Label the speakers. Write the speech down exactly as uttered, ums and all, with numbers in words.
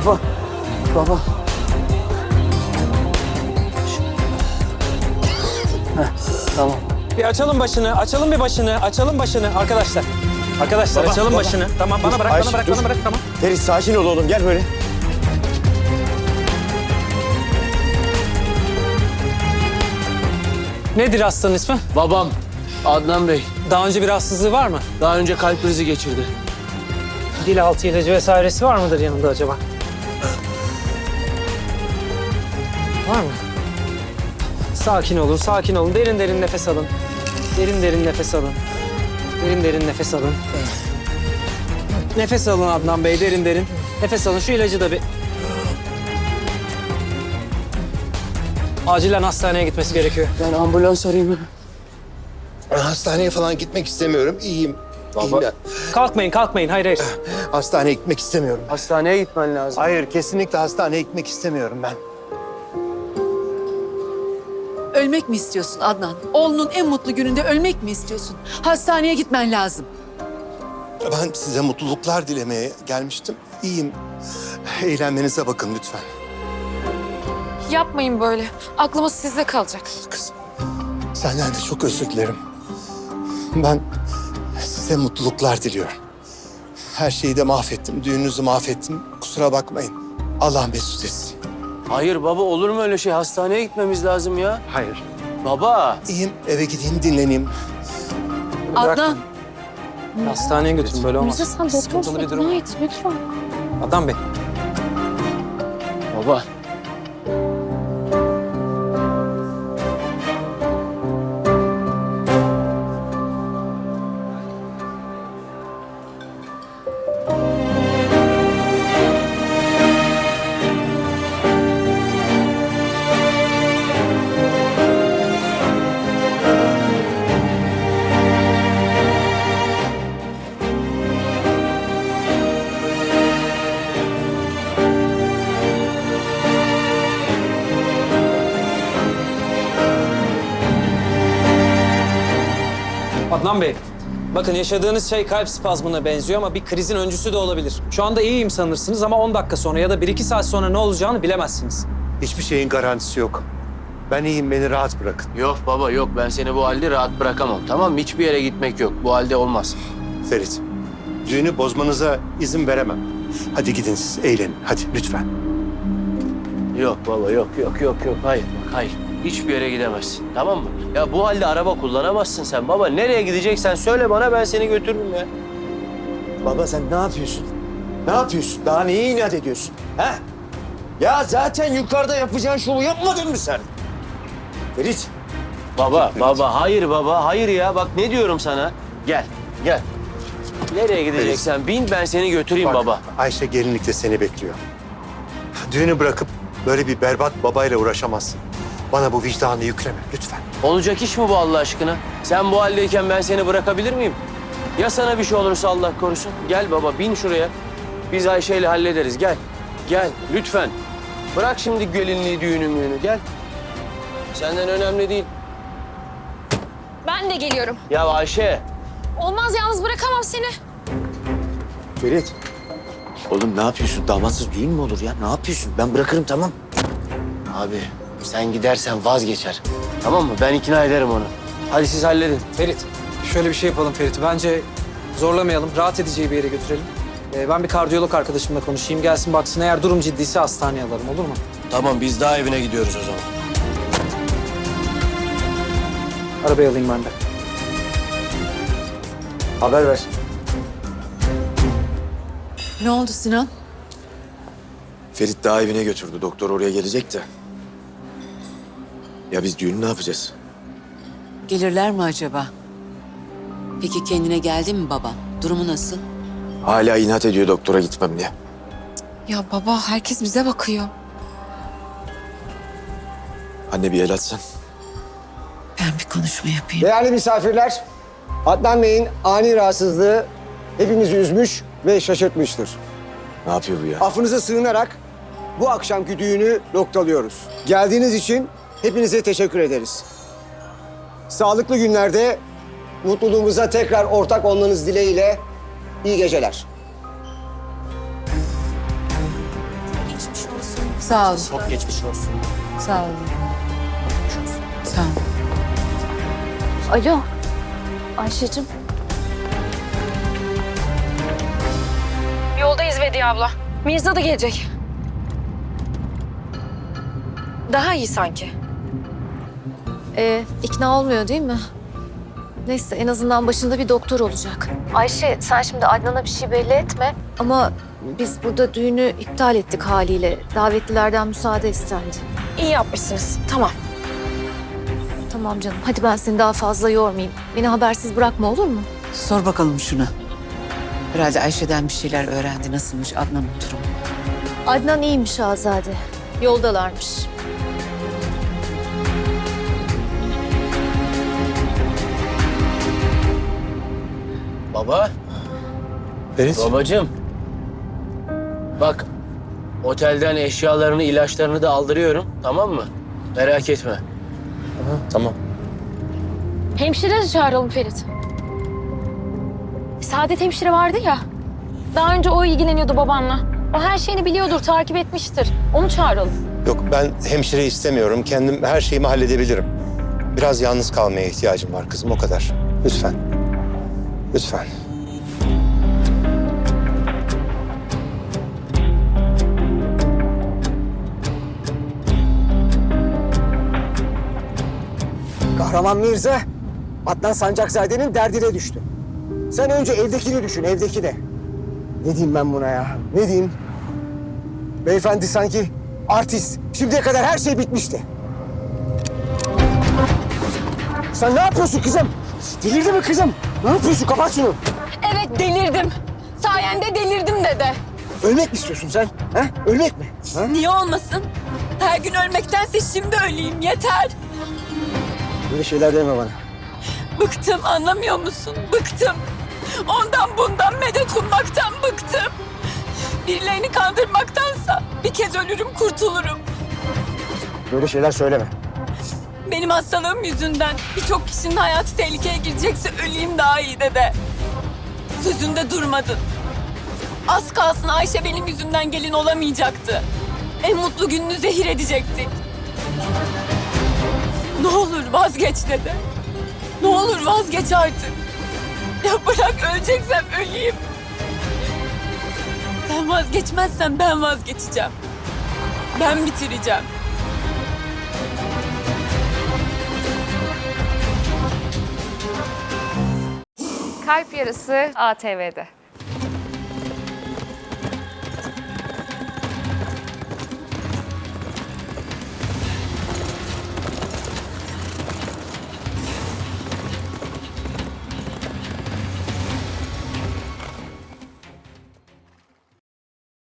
Speaker 1: Baba. Baba. Heh, tamam.
Speaker 2: Bir açalım başını, açalım bir başını, açalım başını arkadaşlar. Arkadaşlar
Speaker 3: Baba,
Speaker 2: açalım
Speaker 3: baba.
Speaker 2: başını. Tamam bana
Speaker 3: Dur,
Speaker 2: bırak,
Speaker 3: Ayşe,
Speaker 2: bana bırak,
Speaker 3: dur.
Speaker 2: bana bırak, tamam.
Speaker 3: Ferit sakin ol oğlum, gel böyle.
Speaker 2: Nedir hastanın ismi?
Speaker 1: Babam Adnan Bey
Speaker 2: Daha önce bir rahatsızlığı var mı?
Speaker 1: daha önce kalp krizi geçirdi.
Speaker 2: Dil altı ilacı vesairesi var mıdır yanında acaba? Var mı? Sakin olun, sakin olun. Derin derin nefes alın. Derin derin nefes alın. Derin derin nefes alın. Nefes alın Adnan Bey, derin derin. Nefes alın. Şu ilacı da bir... Acilen hastaneye gitmesi gerekiyor.
Speaker 1: Ben ambulans arayayım mı?
Speaker 3: Hastaneye falan gitmek istemiyorum, iyiyim. İyiyim ben.
Speaker 2: Kalkmayın, kalkmayın. Hayır, hayır.
Speaker 3: Hastaneye gitmek istemiyorum.
Speaker 1: Hastaneye gitmen lazım.
Speaker 3: Hayır, kesinlikle hastaneye gitmek istemiyorum ben.
Speaker 4: Ölmek mi istiyorsun Adnan? Oğlunun en mutlu gününde ölmek mi istiyorsun? Hastaneye gitmen lazım.
Speaker 3: Ben size mutluluklar dilemeye gelmiştim. İyiyim. Eğlenmenize bakın lütfen.
Speaker 5: Yapmayın böyle. Aklımız sizde kalacak.
Speaker 3: Kızım, senden de çok özür dilerim. Ben size mutluluklar diliyorum. Her şeyi de mahvettim, düğününüzü mahvettim. Kusura bakmayın. Allah mesut etsin.
Speaker 1: Hayır baba, olur mu öyle şey? Hastaneye gitmemiz lazım ya.
Speaker 3: Hayır.
Speaker 1: Baba.
Speaker 3: İyiyim, eve gideyim, dinleneyim.
Speaker 4: Adnan,
Speaker 2: Hastaneye götürün, böyle olmaz.
Speaker 5: Mirza sen
Speaker 2: Sıkıntılı
Speaker 5: doktorsun.
Speaker 2: bir durum.
Speaker 5: İkna et lütfen.
Speaker 2: Adnan Bey.
Speaker 1: Baba.
Speaker 2: Adnan Bey, bakın yaşadığınız şey kalp spazmına benziyor ama bir krizin öncüsü de olabilir. Şu anda iyiyim sanırsınız ama on dakika sonra ya da bir iki saat sonra ne olacağını bilemezsiniz.
Speaker 3: Hiçbir şeyin garantisi yok. Ben iyiyim, beni rahat bırakın.
Speaker 1: Yok baba yok, ben seni bu halde rahat bırakamam. Tamam mı? Hiçbir yere gitmek yok. Bu halde olmaz.
Speaker 3: Ferit, düğünü bozmanıza izin veremem. Hadi gidin siz, eğlenin. Hadi lütfen.
Speaker 1: Yok baba yok yok yok yok. Hayır bak hayır. Hiçbir yere gidemezsin. Tamam mı? Ya bu halde araba kullanamazsın sen baba. Nereye gideceksen söyle bana, ben seni götürürüm ya.
Speaker 6: Baba sen ne yapıyorsun? Ne yapıyorsun? Daha neye inat ediyorsun? He? Ya zaten yukarıda yapacağın şovu yapmadın mı sen? Ferit.
Speaker 1: Baba baba hayır baba hayır ya. Bak ne diyorum sana. Gel gel. Nereye gideceksen bin, ben seni götüreyim
Speaker 3: Bak,
Speaker 1: baba.
Speaker 3: Ayşe gelinlikte seni bekliyor. Düğünü bırakıp böyle bir berbat babayla uğraşamazsın. Bana bu vicdanı yükleme lütfen.
Speaker 1: Olacak iş mi bu Allah aşkına? Sen bu haldeyken ben seni bırakabilir miyim? Ya sana bir şey olursa Allah korusun? Gel baba bin şuraya. Biz Ayşe'yle hallederiz. Gel. Gel lütfen. Bırak şimdi gelinliği, düğünü müğünü. Gel. Senden önemli değil.
Speaker 5: Ben de geliyorum.
Speaker 1: Ya Ayşe.
Speaker 5: Olmaz, yalnız bırakamam seni.
Speaker 6: Ferit. Oğlum ne yapıyorsun? Damatsız düğün mü olur ya? Ne yapıyorsun? Ben bırakırım tamam.
Speaker 1: Abi sen gidersen vazgeçer. Tamam mı? Ben ikna ederim onu. Hadi siz halledin.
Speaker 2: Ferit, şöyle bir şey yapalım Ferit. Bence zorlamayalım, rahat edeceği bir yere götürelim. Ee, ben bir kardiyolog arkadaşımla konuşayım. Gelsin baksın, eğer durum ciddiyse hastaneye alalım, olur mu?
Speaker 1: Tamam biz daha evine gidiyoruz o zaman.
Speaker 2: Arabayı alayım ben de.
Speaker 6: Haber ver.
Speaker 4: ne oldu Sinan?
Speaker 6: Ferit daha evine götürdü. Doktor oraya gelecek de. Ya biz düğünü ne yapacağız?
Speaker 4: Gelirler mi acaba? Peki kendine geldi mi baba? Durumu nasıl?
Speaker 6: Hala inat ediyor doktora gitmem diye.
Speaker 5: Ya baba, herkes bize bakıyor.
Speaker 6: Anne bir el atsan.
Speaker 4: Ben bir konuşma yapayım.
Speaker 7: Değerli misafirler, Adnan Bey'in ani rahatsızlığı hepimizi üzmüş ve şaşırtmıştır.
Speaker 6: Ne yapıyor bu ya?
Speaker 7: Affınıza sığınarak bu akşamki düğünü noktalıyoruz. Geldiğiniz için hepinize teşekkür ederiz. Sağlıklı günlerde mutluluğumuza tekrar ortak olmanız dileğiyle iyi geceler.
Speaker 4: Sağ olun.
Speaker 1: Çok geçmiş olsun.
Speaker 4: Sağ olun. Sağ olun.
Speaker 5: Alo. Ayşe'cim. Yoldayız Vediye abla. Mirza da gelecek. Daha iyi sanki.
Speaker 8: Ee, ikna olmuyor değil mi? Neyse en azından başında bir doktor olacak. Ayşe sen şimdi Adnan'a bir şey belli etme. Ama biz burada düğünü iptal ettik haliyle. Davetlilerden müsaade istendi.
Speaker 5: İyi yapmışsınız. Tamam.
Speaker 8: Tamam canım hadi ben seni daha fazla yormayayım. Beni habersiz bırakma olur mu?
Speaker 4: Sor bakalım şuna. Herhalde Ayşe'den bir şeyler öğrendi. Nasılmış Adnan'ın durumu?
Speaker 8: Adnan iyiymiş Azade. Yoldalarmış.
Speaker 1: Baba,
Speaker 3: Ferit.
Speaker 1: babacığım. Bak, otelden eşyalarını, ilaçlarını da aldırıyorum, tamam mı? Merak etme.
Speaker 3: Tamam.
Speaker 5: Hemşire de çağıralım Ferit. Saadet hemşire vardı ya. Daha önce o ilgileniyordu babanla. O her şeyini biliyordur, takip etmiştir. Onu çağıralım.
Speaker 3: Yok ben hemşire istemiyorum. Kendim her şeyimi halledebilirim. Biraz yalnız kalmaya ihtiyacım var kızım o kadar. Lütfen. Lütfen.
Speaker 7: Kahraman Mirza, Adnan Sancakzade'nin derdine düştü. Sen önce evdekini düşün, evdekini. Ne diyeyim ben buna ya? Ne diyeyim? Beyefendi sanki artist. Şimdiye kadar her şey bitmişti. Sen ne yapıyorsun kızım? Delirdin mi kızım? Ne yapıyorsun? Kapat şunu.
Speaker 5: Evet delirdim. Sayende delirdim dede.
Speaker 7: Ölmek mi istiyorsun sen? Ha? Ölmek mi? Ha?
Speaker 9: Niye olmasın? Her gün ölmektense şimdi öleyim yeter.
Speaker 7: Böyle şeyler deme bana.
Speaker 9: Bıktım anlamıyor musun? Bıktım. Ondan bundan medet ummaktan bıktım. Birilerini kandırmaktansa bir kez ölürüm kurtulurum.
Speaker 7: Böyle şeyler söyleme.
Speaker 9: Benim hastalığım yüzünden birçok kişinin hayatı tehlikeye girecekse öleyim daha iyi dede. Sözünde durmadın. Az kalsın Ayşe benim yüzümden gelin olamayacaktı. En mutlu gününü zehir edecektik. Ne olur vazgeç dede. Ne olur vazgeç artık. Ya bırak öleceksem öleyim. Sen vazgeçmezsen ben vazgeçeceğim. Ben bitireceğim.
Speaker 5: Kalp Yarısı A T V'de.